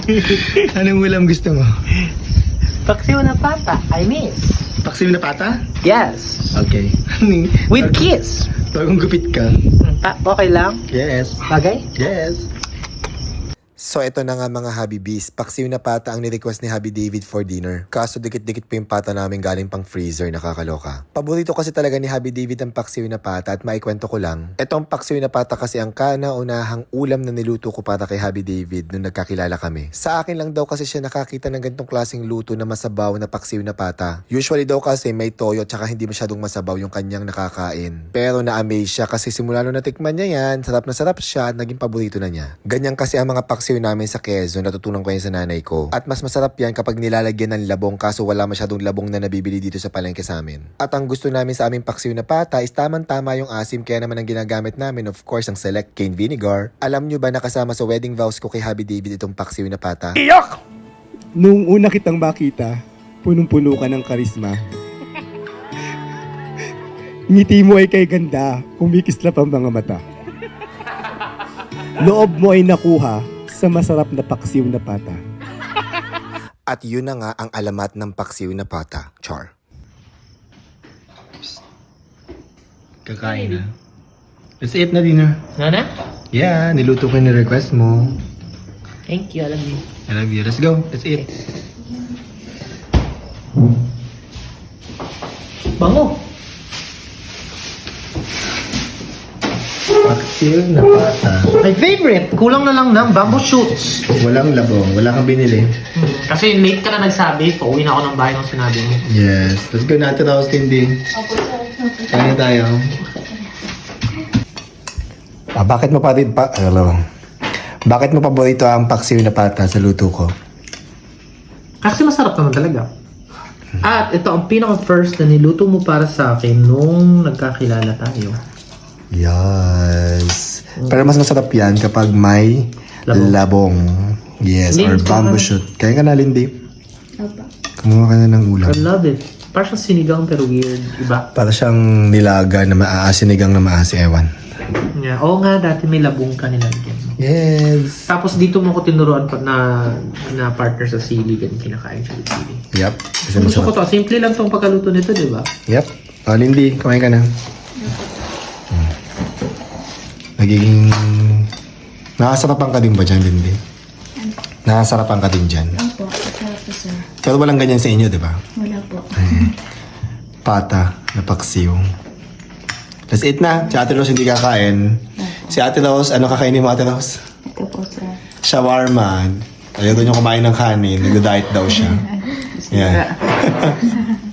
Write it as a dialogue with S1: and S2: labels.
S1: Anong ulam gusto mo?
S2: Paksiw na pata, I miss.
S1: Paksiw na pata?
S2: Yes.
S1: Okay.
S2: With kiss.
S1: Bagong gupit ka.
S2: Okay lang?
S1: Yes.
S2: Bagay?
S1: Yes.
S3: So ito na nga mga Habibis, paksiw na pata ang ni-request ni Habi David for dinner. Kaso dikit-dikit pa yung pata namin galing pang freezer, nakakaloka. Paborito kasi talaga ni Habi David ang paksiw na pata at maikwento ko lang. Etong paksiw na pata kasi ang kauna-unahang ulam na niluto ko para kay Habi David nung nagkakilala kami. Sa akin lang daw kasi siya nakakita ng ganitong klaseng luto na masabaw na paksiw na pata. Usually daw kasi may toyo at saka hindi masyadong masabaw yung kanyang nakakain. Pero na-amaze siya kasi simula nung natikman niya yan, sarap na sarap siya, naging paborito na niya. Ganyan kasi ang mga paksiw namin sa Quezon, natutunan ko yan sa nanay ko. At mas masarap yan kapag nilalagyan ng labong kaso wala masyadong labong na nabibili dito sa palengke sa amin. At ang gusto namin sa aming paksiw na pata is tamang-tama yung asim kaya naman ang ginagamit namin of course ang select cane vinegar. Alam nyo ba nakasama sa wedding vows ko kay Habi David itong paksiw na pata?
S1: Iyak!
S4: Nung una kitang makita, punong-puno ka ng karisma. Ngiti mo ay kay ganda, kumikislap ang mga mata. Loob mo ay nakuha sa masarap na paksiw na pata.
S3: At yun na nga ang alamat ng paksiw na pata, Char.
S1: Kakain na. Let's eat na dinner.
S2: Nana?
S1: Yeah, niluto ko yung request mo.
S2: Thank you, alam mo.
S1: I love you. Let's go. Let's eat.
S2: Bango.
S1: Paksiw na pata.
S2: My favorite. Kulang na lang ng bamboo shoots.
S1: Walang labong. Wala kang binili.
S2: Kasi late ka na nagsabi, pauwi na ako ng bahay nung sinabi mo.
S1: Yes. Let's go natin ako, Cindy. Kaya tayo.
S3: Bakit mo Bakit mo paborito ang paksiw na pata sa luto ko?
S2: Kasi masarap naman talaga. At ito ang pinaka-first na niluto mo para sa akin nung nagkakilala tayo.
S3: Yes. Pero mas masarap yan kapag may labong. Yes, or
S2: Lindy,
S3: bamboo shoot. Kaya ka na, Lindy. Kumuha ka na ng ulam.
S2: I love it. Parang sinigang pero weird. Iba.
S3: Para siyang nilaga na sinigang na maasi, ewan.
S2: Yeah. Oo nga, dati may labong ka nilagyan mo.
S3: Yes.
S2: Tapos dito mo ko tinuruan pa na partner sa sili. Ganun kinakain siya with sili.
S3: Yep. Kasi
S2: Gusto ko
S3: masarap.
S2: to. Simple lang tong pagkaluto nito, di ba?
S3: Yep. O, Lindy, kumain ka na. Nagiging... Nakasarapan ka din ba dyan, Lindy? Nakasarapan ka din dyan.
S5: Opo, sarap po sir.
S3: Pero walang ganyan sa inyo, di ba?
S5: Wala po.
S3: Pata na paksiw. Let's eat na. Si Ate Rose hindi kakain. Si Ate Rose, ano kakainin mo, Ate Rose?
S5: Ito po sir.
S3: Shawarma. Ayaw niyo kumain ng kanin. Nag-diet daw siya. Yeah.